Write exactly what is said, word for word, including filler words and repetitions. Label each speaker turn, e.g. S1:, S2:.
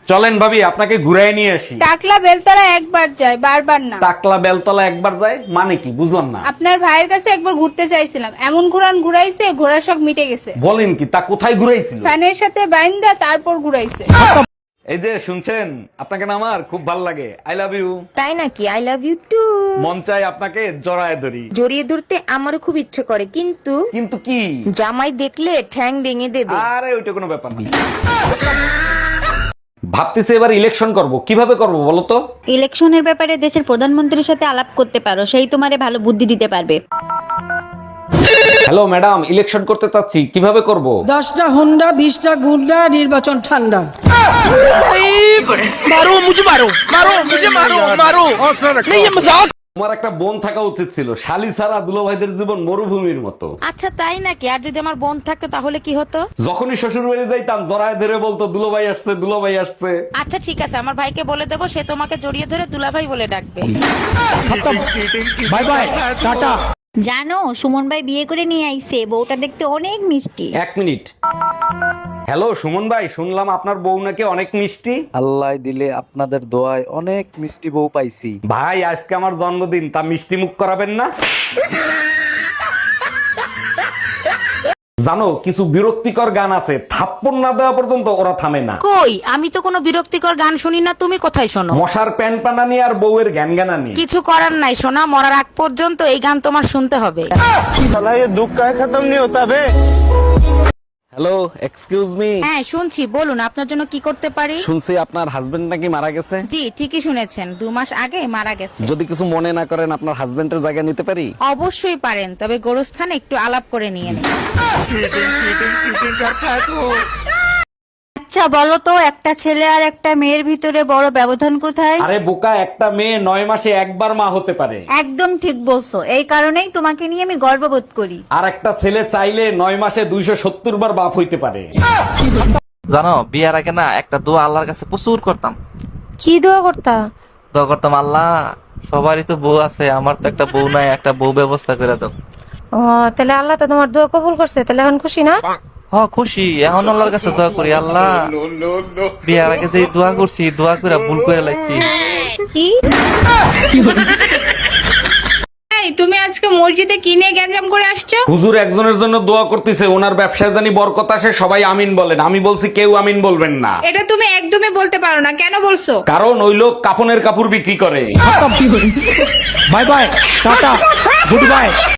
S1: চলেন ভাবি আপনাকে ঘুরাই নিয়ে আসি।
S2: টাকলা বেলতলা একবার যায়, বারবার না।
S1: টাকলা বেলতলা একবার যায় মানে কি বুঝলাম না।
S2: আপনার ভাইয়ের কাছে একবার ঘুরতে চাইছিলাম, এমন ঘুরান ঘুরাইছে ঘোড়ার শখ মিটে গেছে।
S1: বলেন কি, তা কোথায় ঘুরাইছিল?
S2: ফ্যানের সাথে বাইন্দা তারপর ঘুরাইছে।
S1: এই যে শুনছেন, আপনাকে না আমার খুব ভাল লাগে। I love you.
S3: তাই নাকি? I love you too.
S1: মন চাই আপনাকে জড়ায় ধরি।
S3: জড়িয়ে ধরতে আমারও খুব ইচ্ছে করে, কিন্তু
S1: কিন্তু কি?
S3: জামাই দেখলে ঠ্যাং ভেঙে দেবে।
S1: আরে ওইটা কোনো ব্যাপার না। ভাবতেছি এবার ইলেকশন করব, কিভাবে করব বলো তো?
S4: ইলেকশনের ব্যাপারে দেশের প্রধানমন্ত্রীর সাথে আলাপ করতে পারো, সেই তোমারে ভালো বুদ্ধি দিতে পারবে।
S1: হ্যালো ম্যাডাম, ইলেকশন করতে চাচ্ছি, কিভাবে করব?
S5: দশটা হুন্ডা বিশটা গুন্ডা, নির্বাচন ঠান্ডা।
S1: তোমার একটা বোন থাকা উচিত ছিল, শালি ছাড়া দুলাভাইদের জীবন মরুভূমির মতো।
S3: আচ্ছা তাই নাকি? আর যদি আমার বোন থাকতো তাহলে কি হতো?
S1: যখনই শ্বশুর বাড়ি যাইতাম জড়ায় ধরে বলতো দুলাভাই আসছে দুলাভাই আসছে।
S3: আচ্ছা ঠিক আছে, আমার ভাইকে বলে দেবো, সে তোমাকে জড়িয়ে ধরে দুলাভাই বলে ডাকবে।
S1: Bye bye, tata.
S4: জানো সুমন ভাই বিয়ে করে নিয়ে আইছে, বউটা দেখতে অনেক মিষ্টি।
S1: এক মিনিট। হ্যালো সুমন ভাই, শুনলাম আপনার বউ নাকি অনেক মিষ্টি।
S6: আল্লাহ দিলে আপনাদের দোয়ায় অনেক মিষ্টি বউ পাইছি।
S1: ভাই আজকে আমার জন্মদিন, তা মিষ্টি মুখ করাবেন না? জানো কিছু বিরক্তিকর গান আছে, থাপ্পড় না দেওয়া পর্যন্ত ওরা থামে না।
S3: কই, আমি তো কোনো বিরক্তিকর গান শুনি না, তুমি কোথায় শোনো?
S1: মশার প্যান পানানি আর বউয়ের জ্ঞান জ্ঞানানি।
S3: কিছু করার নাই সোনা, মরার আগ পর্যন্ত এই গান তোমার শুনতে হবে।
S1: Hello excuse me.
S3: হ্যাঁ শুনছি, বলুন আপনার জন্য কি করতে পারি।
S1: শুনছি আপনার হাজবেন্ড নাকি মারা গেছে।
S3: জি ঠিকই শুনেছেন, দু মাস আগে মারা গেছে।
S1: যদি কিছু মনে না করেন আপনার হাজবেন্ডের জায়গা নিতে পারি?
S3: অবশ্যই পারেন, তবে গোরস্থানে একটু আলাপ করে নিয়ে নিন।
S2: আচ্ছা বলো তো, একটা ছেলে আর একটা মেয়ের ভিতরে বড় ব্যবধান কোথায়?
S1: আরে বোকা, একটা মেয়ে নয় মাসে একবার মা হতে পারে।
S2: একদম ঠিক বলছো, এই কারণেই তোমাকে নিয়ে আমি গর্ববোধ করি।
S1: আর একটা ছেলে চাইলে নয় মাসে দুইশো সত্তর বার বাপ হইতে পারে।
S7: জানো বিয়ার আগে না একটা দোয়া আল্লাহর কাছে প্রচুর করতাম।
S8: কি দোয়া করতা?
S7: দোয়া করতাম, আল্লাহ সবারই তো বউ আছে, আমার তো একটা বউ নাই, একটা বউ ব্যবস্থা করে দাও।
S8: ও তাহলে আল্লাহ তো তোমার দোয়া কবুল করছে, তাহলে এখন খুশি না?
S7: হ খুশি, এখন আল্লাহর কাছে দোয়া করি, আল্লাহ বিয়ার আগে যে দোয়া করছি দোয়া করে ভুল করে লাগছি।
S8: কি?
S2: এই তুমি আজকে মসজিদে কি নিয়ে গ্যাঞ্জাম করে আসছো?
S1: হুজুর একজনের জন্য দোয়া করতেছে, ওনার ব্যবসায় জানি বরকত আসে, সবাই আমিন বলেন। আমি বলছি কেউ আমিন বলবেন না।
S2: এটা তুমি একদমই বলতে পারো না, কেন বলছো?
S1: কারণ ওই লোক কাপনের কাপড় বিক্রি করে।
S6: Bye bye, tata, good by.